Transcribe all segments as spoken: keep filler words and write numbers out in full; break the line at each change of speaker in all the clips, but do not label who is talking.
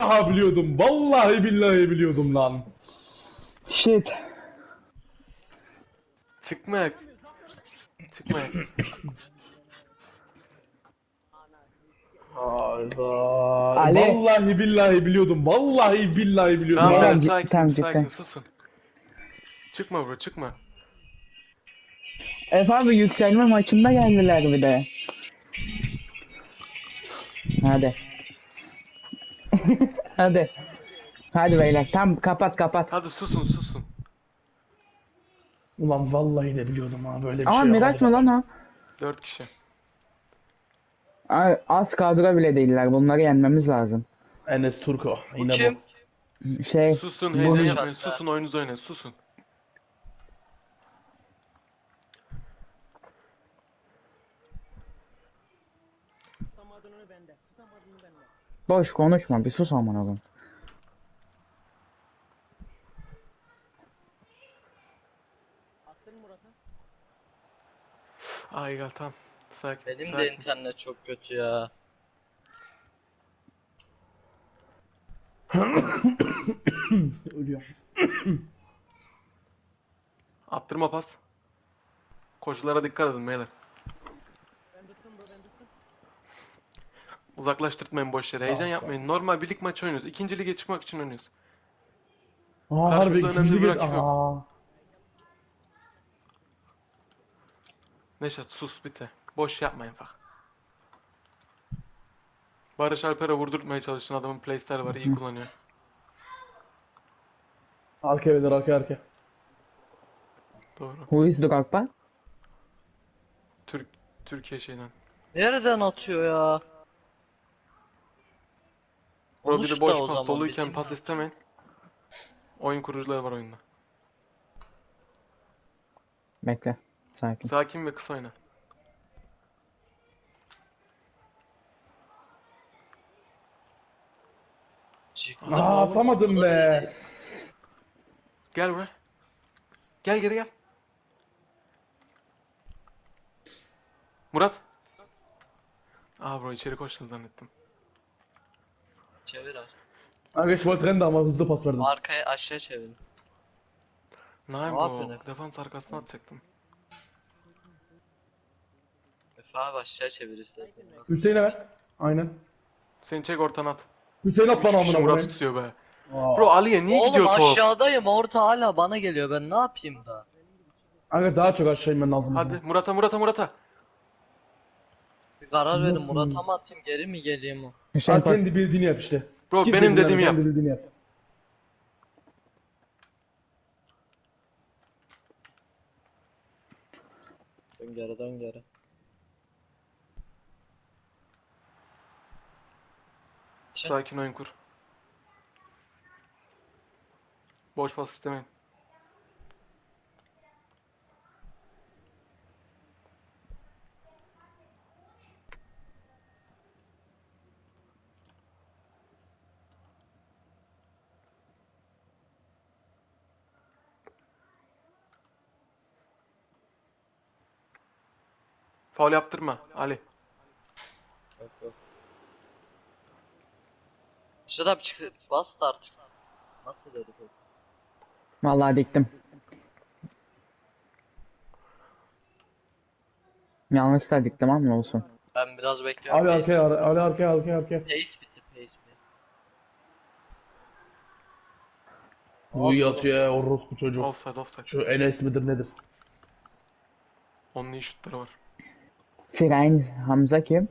Aha biliyordum. Vallahi billahi biliyordum lan.
Shit.
Çıkma. Çıkma.
Hayda.
Ali.
Vallahi billahi biliyordum. Vallahi billahi biliyordum
Tamam
Beyler
tamam
abi.
cidden
sakin sakin
cidden.
susun. Çıkma bro çıkma.
Efe abi yükselme maçında geldiler bir de. Hadi. Hadi. Hadi beyler tam kapat kapat.
Hadi susun susun.
Ulan vallahi de biliyordum ha, böyle bir
Aa
şey yok, hadi
Miraç mı lan
bakalım.
o?
Dört kişi.
Ay, az kadro bile değiller. Bunları yenmemiz lazım.
Enes Turko
Bu
yine bu.
kim?
Şey
Susun
bu
heyecan
Bana
yapmayın.
çarptı.
Susun oyununuzu oynayın. Susun.
boş konuşma bir sus aman oğlum.
Ay gel tamam. Sakin
Benim de
sakin.
internet çok kötü ya.
Ölüyorum.
Attırma pas. Koşulara dikkat edin beyler. Uzaklaştırtmayın boş yere. Heyecan
Tamam,
yapmayın.
sakin.
Normal bir lig maçı oynuyoruz. İkinci lige çıkmak için oynuyoruz.
Aa harbi
Karşımızda önemli
ikinci
bir
lig.
rakip yok.
Aa.
Neşat sus bitti. Boş yapmayın bak. Barış Alper'e vurdurtmaya çalışın. Adamın playstyle var. iyi kullanıyor.
Arka beyler, arka arka.
Doğru.
Who is Drogba?
Türk Türkiye şeyden.
Nereden atıyor ya?
Bro bir
Konuş
de
da
boş
o
pas
zaman
doluyken
bileyim
pas
ben.
istemeyin. Oyun kurucuları var oyunda.
Bekle. Sakin.
Sakin ve kısa oyna.
Çıktım
Adam-
Aa
oğlum, o
atamadım
kadar iyi
be.
değil.
Gel buraya. Gel geri gel. Murat. Aa bro içeri koştun zannettim.
Çevir abi.
Aga şu trend ama hızlı pas verdim.
Arkaya aşağı çevir.
Nein
Ne
bro.
yapıyorsun Efe?
Defans arkasına atacaktım.
Efe abi aşağı çevir istersen. Nasıl?
Hüseyin'e ver. Aynen.
Seni çek ortana at.
Hüseyin at
Üç
bana
kişi
amına
Murat
koyayım.
tutuyor be. Bro
Aa.
Ali'ye niye
Oğlum
gidiyor top?
aşağıdayım, orta hala bana geliyor, ben ne yapayım da?
Aga daha çok aşağı inmen lazım
Hadi
bizim.
Murat'a Murat'a Murat'a.
Bir karar verin,
Yok
Murat'a
muyuz?
mı atayım geri mi geleyim o?
Hüseyin
Ha
koş.
kendi bildiğini yap işte.
Bro
Kimse
benim
dinleme,
dediğimi yap.
kendi bildiğini yap.
Dön geri, dön geri. Çık.
Sakin oyun kur. Boş pas istemeyin. Faul yaptırma Ali.
Yok yok. Şurada bir çık, bas da artık. Nasıl dedi bu?
Vallahi diktim. Yanlış da diktim ama olsun.
Ben biraz bekliyorum.
Ali
Pace,
arkaya, Ali arkaya, arkaya, arkaya.
pace bitti, pace, pace.
Bu
Abi
iyi
oğlum.
atıyor ya orospu çocuk.
Offside offside.
Şu Enes midir nedir?
Onun iyi şutları var.
Firayn Hamza kim?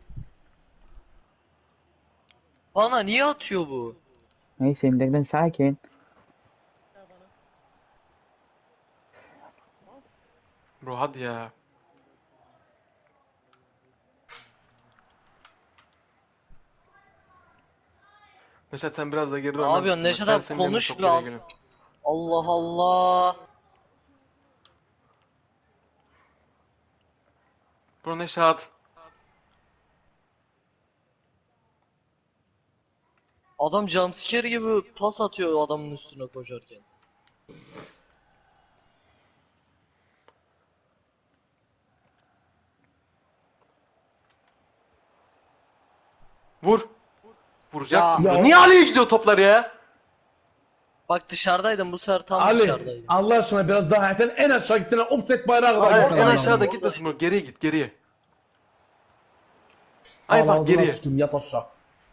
Bana niye atıyor bu?
Neyse indirden sakin.
Bro hadi ya. Neşet sen biraz da geride
Ne
oynar
yapıyorsun
mısın? Bak
Neşet
ben
abi,
senin yerine
konuş
çok
bir
geriye
al.
geliyorum.
Allah Allah.
Bro Neşet.
Adam jumpscare gibi pas atıyor adamın üstüne koşarken.
Vur. Vuracaktım
Ya-
da. Niye Ali'ye gidiyor toplar ya?
Bak dışarıdaydım bu sefer tam
Ali
dışarıdaydım.
Allah aşkına biraz daha sen en aşağı gitsene offset bayrağı kadar
Hayır,
gitsene.
en
amına
aşağıda
koyayım.
gitmesin bro. Geriye git geriye. Ay
Al
bak
ağzına
geriye.
sıçtım yat aşağı.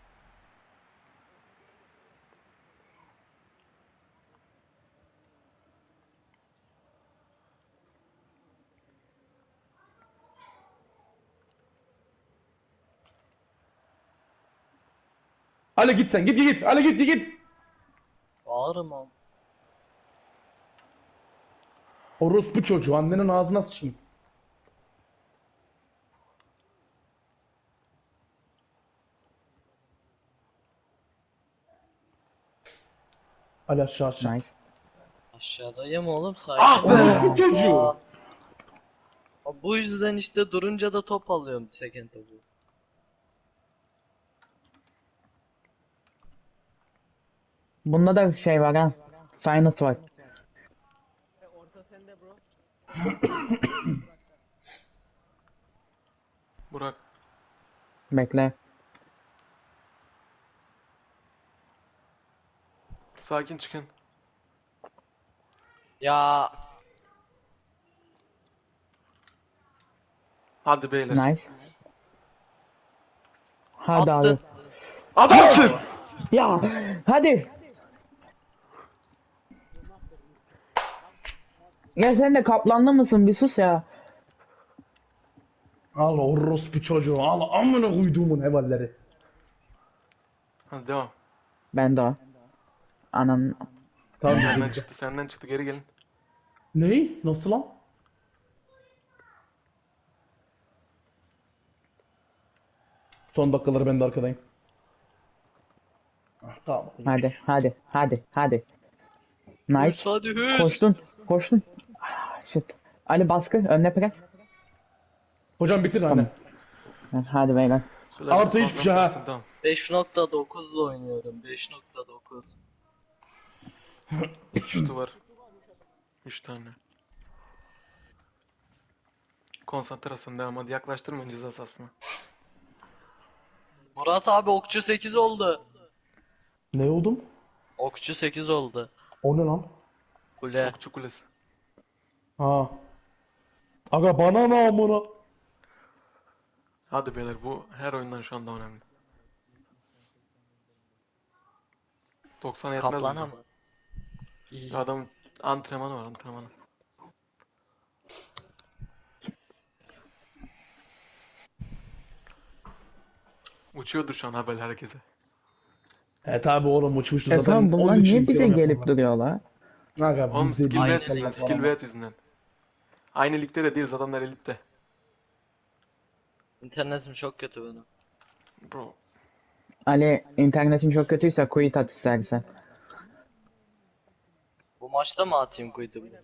Ali git sen git git git. Ali git git git.
Bağırma.
Orospu çocuğu annenin ağzına sıçayım. Ali aşağı aşağı.
Nice.
Aşağıdayım oğlum sakin.
Ah be!
ol.
Orospu çocuğu.
Aa, bu yüzden işte durunca da top alıyorum second topu.
Bunda da şey var ha. Sinus var.
Burak.
Bekle.
Sakin çıkın.
Ya
Hadi beyler.
Nice. Hadi
attın.
abi.
Adamsın!
Ya hadi. Ya sen de kaplanlı mısın? Bir sus ya.
Al orospu çocuğu al amına koyduğumun hevalleri.
Hadi devam.
Ben de o. Anan.
Tamam
Senden
güzel.
çıktı senden çıktı geri gelin.
Ney? Nasıl lan? Son dakikaları ben de arkadayım. Ah, tamam.
Hadi hadi hadi hadi. Nice.
Hüs hadi hüs.
Koştun. Koştun. Ah, shit. Ali baskı. Önüne pres.
Hocam bitir
Tamam.
hani.
Hadi beyler.
Şöyle
Artı
bir
hiçbir şey ha.
konsantrasyon, Tamam.
beş nokta dokuzla oynuyorum. beş nokta dokuz.
İki şutu var. Üç tane. Konsantrasyon devam, hadi yaklaştırmayın ceza sahasına.
Murat abi okçu sekiz oldu.
Ne oldum?
Okçu sekiz oldu.
O ne lan?
Kule.
Okçu kulesi.
Ha. Aga bana ne amına?
Hadi beyler, bu her oyundan şu anda önemli. doksan yetmez
Kaplana
mi?
mı? İyi.
Adam antrenmanı var, antrenmanı. Uçuyordur şu an haber herkese.
E tabi oğlum uçmuştu
E
zaten.
tamam bunlar
Onun için
niye bize
yorum
gelip
yapmadılar.
duruyorlar?
Aga
Oğlum
bizde
skill
değil.
Aynı
bet yüzünden,
inşallah
skill
falan.
bet yüzünden. Aynı ligde de değiliz, adamlar elitte.
İnternetim çok kötü benim.
Bro,
Ali internetin çok kötüyse quit at istersen.
Bu maçta mı atayım kuytu bile?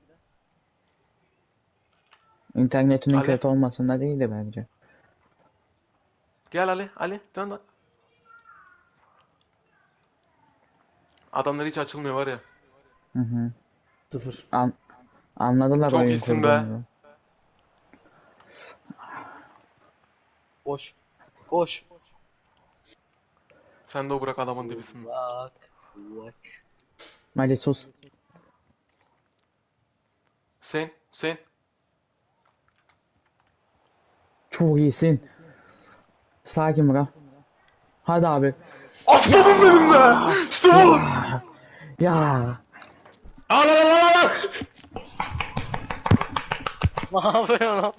İnternetinin
Ali?
kötü olmasında değildi bence.
gel Ali, Ali, dön lan. Adamlar hiç açılmıyor var ya.
Hı hı.
Sıfır.
An anladılar
Çok
oyun
iyisin be.
kurduğumuzu.
Koş. Koş.
Sen de o bırak adamın dibisin.
Bak. Bak.
Ali sus.
Hüseyin, Hüseyin.
Çok iyisin. Sakin bırak. Hadi abi.
Aslanım benim be! İşte bu!
Ya.
Al al al al al.
Ne yapıyorsun lan?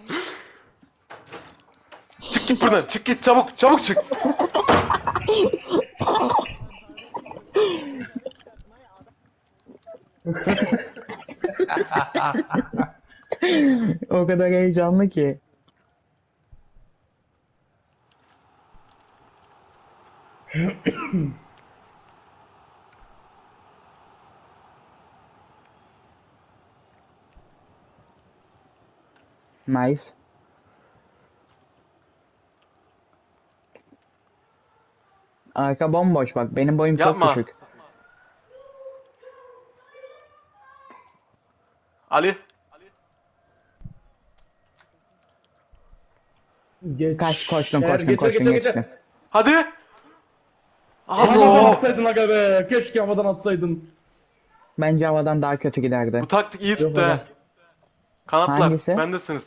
Çık git buradan, çık git, çabuk, çabuk çık.
O kadar heyecanlı ki. Nice. Arka bomboş bak. Benim boyum çok
Yapma.
küçük.
Ali,
Geç.
Kaç koştun
Eğer
koştun
geçer,
koştun
geçer,
geçtin.
geçer.
hadi.
Havadan
Aa,
atsaydın aga be. Keşke havadan atsaydın.
Bence havadan daha kötü giderdi.
bu taktik iyi tuttu
Yok
ha.
aga.
Kanatlar,
Hangisi?
bendesiniz.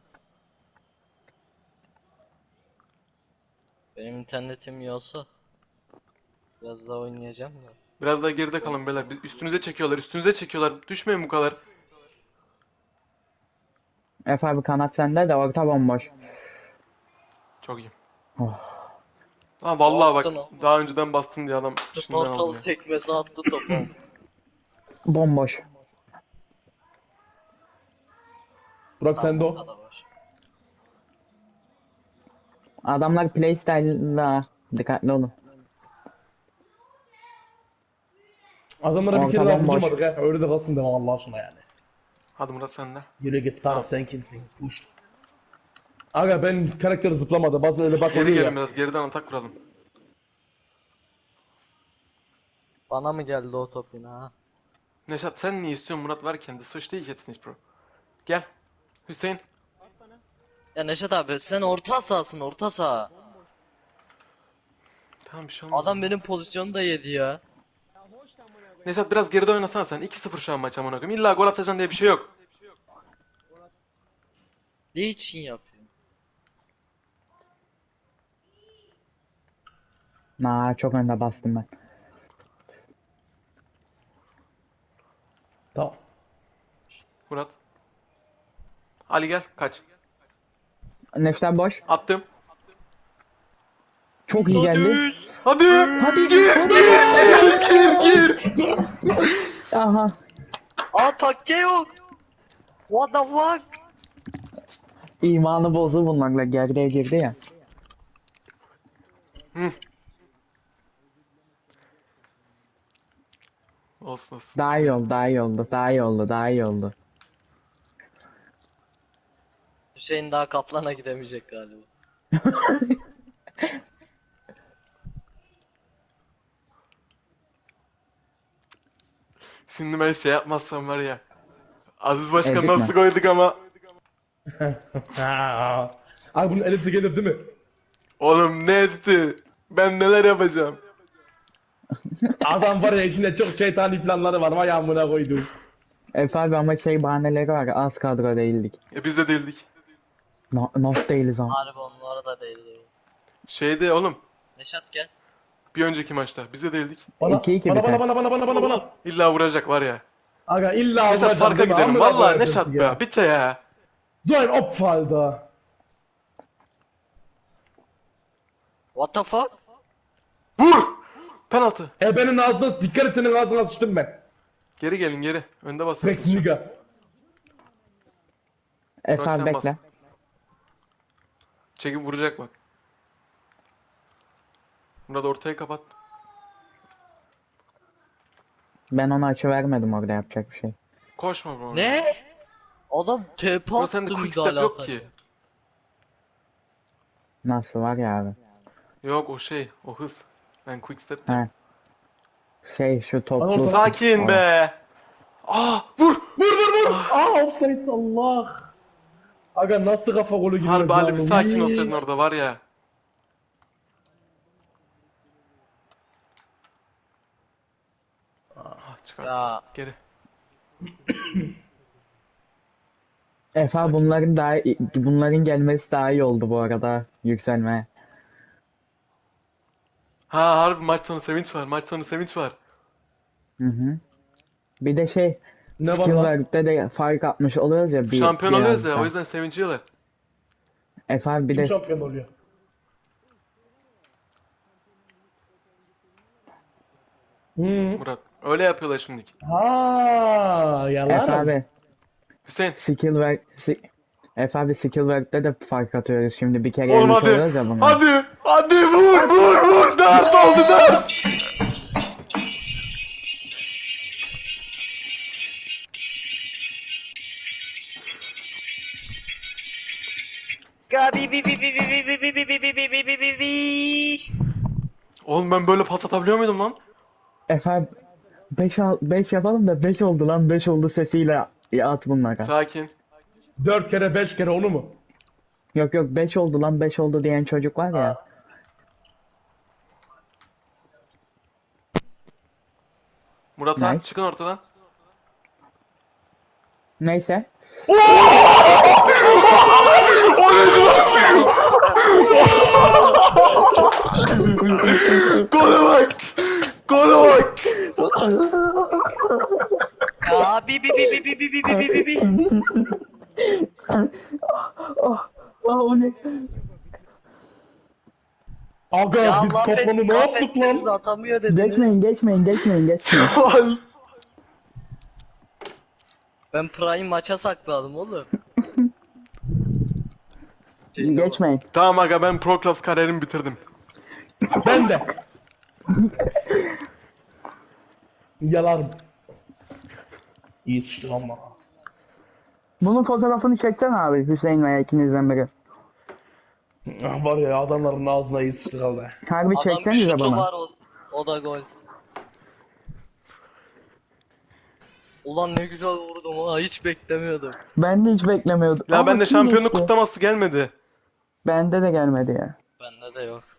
Benim internetim iyi olsa biraz daha oynayacağım da.
Biraz daha geride kalın beyler. Biz üstünüze çekiyorlar, üstünüze çekiyorlar. Düşmeyin bu kadar.
Efe abi kanat sende de orta bomboş.
Çok iyi.
Oh.
Ha vallahi bak,
Attın o.
daha önceden bastın diye adam şimdiden
Portal
alıyor.
tekmesi attı topa.
Bomboş.
Burak sende o.
Ortada var.
Adamlar playstyle'la dikkatli olun.
Adamlara bir
Orta
kere daha
bomboş.
vurdurmadık ha. Öyle de kalsın deme Allah aşkına yani.
Hadi Murat sen de.
Yürü git
Tamam.
Tara sen kimsin? Push. Aga ben karakteri zıplamadı. Bazen öyle bak
Geri
oluyor
gelin
ya.
biraz, geriden atak kuralım.
Bana mı geldi o top yine ha?
Neşat sen niye istiyorsun Murat varken de suç değil jetzt nicht bro. Gel. Hüseyin.
Ya Neşet abi sen orta sahasın orta saha.
Tamam bir şey olmaz.
Adam benim pozisyonu da yedi ya.
Neşat biraz geride oynasana sen. iki sıfır şu an maç amına koyayım. İlla gol atacaksın diye bir şey yok.
Ne için yapıyor?
Naa çok önde bastım ben.
Tamam.
Murat. Ali gel kaç.
Nefter boş.
Attım.
Çok iyi geldi.
Hadi.
Hadi.
Gir. Gir. Gir. Gir.
Aha.
Aa takke yok. What the fuck?
İmanı bozdu bunlarla gerdeğe girdi ya.
Hı. Olsun olsun.
Daha iyi oldu, daha iyi oldu, daha iyi oldu, daha iyi oldu.
Hüseyin daha Kaplan'a gidemeyecek galiba.
Şimdi ben şey yapmazsam var ya. Aziz Başkan
Ezdik
nasıl
mi?
koyduk ama.
Ha. Abi bunun editi gelir değil mi?
Oğlum ne etti? Ben neler yapacağım?
Adam var ya içinde çok şeytani planları var. Vay amına koydum.
Efe abi ama şey bahaneleri var, az kadro değildik.
E biz de değildik.
No, not değiliz ama.
Harbi onlara da değdi.
Şeyde oğlum.
Neşat gel.
Bir önceki maçta biz de değildik.
Bana,
İki iki
bana, bana,
biter.
bana, bana, bana, bana, bana.
İlla vuracak var ya.
Aga illa
Neşat
vuracağım
farka
değil mi?
giderim.
Amına
Vallahi
koyacağız
Neşat
ya.
be. Bitte ya.
So ein Opfer, Alter.
What the fuck?
Vur! Penaltı.
E benim ağzına dikkat et senin ağzına sıçtım ben.
Geri gelin geri. Önde basıyorsun.
Rex nigga.
Efe
Bak
abi
sen bas.
bekle.
Çekip vuracak bak. Murat ortaya kapat.
Ben ona açı vermedim orada yapacak bir şey.
Koşma bro.
Ne? Adam T P
Bro
attı
sende quick
müdahale
step yok
atarken.
ki.
Nasıl var ya abi.
Yok o şey. O hız. Ben quick step
He.
diyorum.
Şey şu
Bana
toplu.
orta-
Sakin be. Ah vur.
Vur vur vur. Aa offside Allah. Aga nasıl kafa golü girmez
Harbi Ali bir
ya?
sakin
Uy.
olsaydın orada var ya. Ah çıkar.
Ya
Geri.
Efe abi bunların daha bunların gelmesi daha iyi oldu bu arada yükselmeye.
Ha harbi maç sonu sevinç var. Maç sonu sevinç var.
Hı hı. Bir de şey
Ne var
skill
lan?
work'te de fark atmış oluyoruz ya bir
Şampiyon oluyoruz ya.
biraz
O
da.
yüzden sevinciyorlar.
Efe abi bir
Kim
de
şampiyon oluyor? Hmm.
Murat. Öyle yapıyorlar şimdiki.
Ha,
Efe
yalan.
abi
Hüseyin.
skill work si Efe abi skill work'te de fark atıyoruz şimdi bir kere
Oğlum
yenmiş
hadi.
oluyoruz ya bunu.
Hadi. Hadi vur vur vur. Dört oldu dört.
Gabi bi bi bi bi bi bi bi bi bi bi bi bi bi bi.
Oğlum ben böyle pas atabiliyor muydum lan?
Efe abi beş beş yapalım da beş oldu lan beş oldu sesiyle ya at bunlara.
Sakin.
Dört kere beş kere onu mu?
Yok yok beş oldu lan beş oldu diyen çocuk var ya.
Murat Han
Nice.
çıkın ortadan.
Neyse.
Gole bak! Gole bak!
Ya bi bi bi bi bi bi bi bi bi bi.
Oh, oh o ne?
Aga
Ya
biz
laf, et,
kafanı ne
laf
yaptık
ettiniz
lan?
atamıyor dediniz.
Geçmeyin, geçmeyin, geçmeyin, geçmeyin.
Kemal!
Ben Prime maça sakladım oğlum. Şey,
Geçmeyin.
Tamam aga ben Pro Clubs kariyerimi bitirdim.
Ben de. Yalarım. İyi sıçtık ama.
Bunun fotoğrafını çeksen abi Hüseyin veya ikinizden biri.
Ah, var ya adamların ağzına iyi sıçtık abi.
Harbi
Adam bir
çeksenize
şutu
bana.
var o, o da gol. Ulan ne güzel vurdum ha hiç beklemiyordum.
Ben de hiç beklemiyordum.
Ya
Aa,
bende
kim
şampiyonluk
geçti?
kutlaması gelmedi.
Bende de gelmedi ya.
Bende de yok.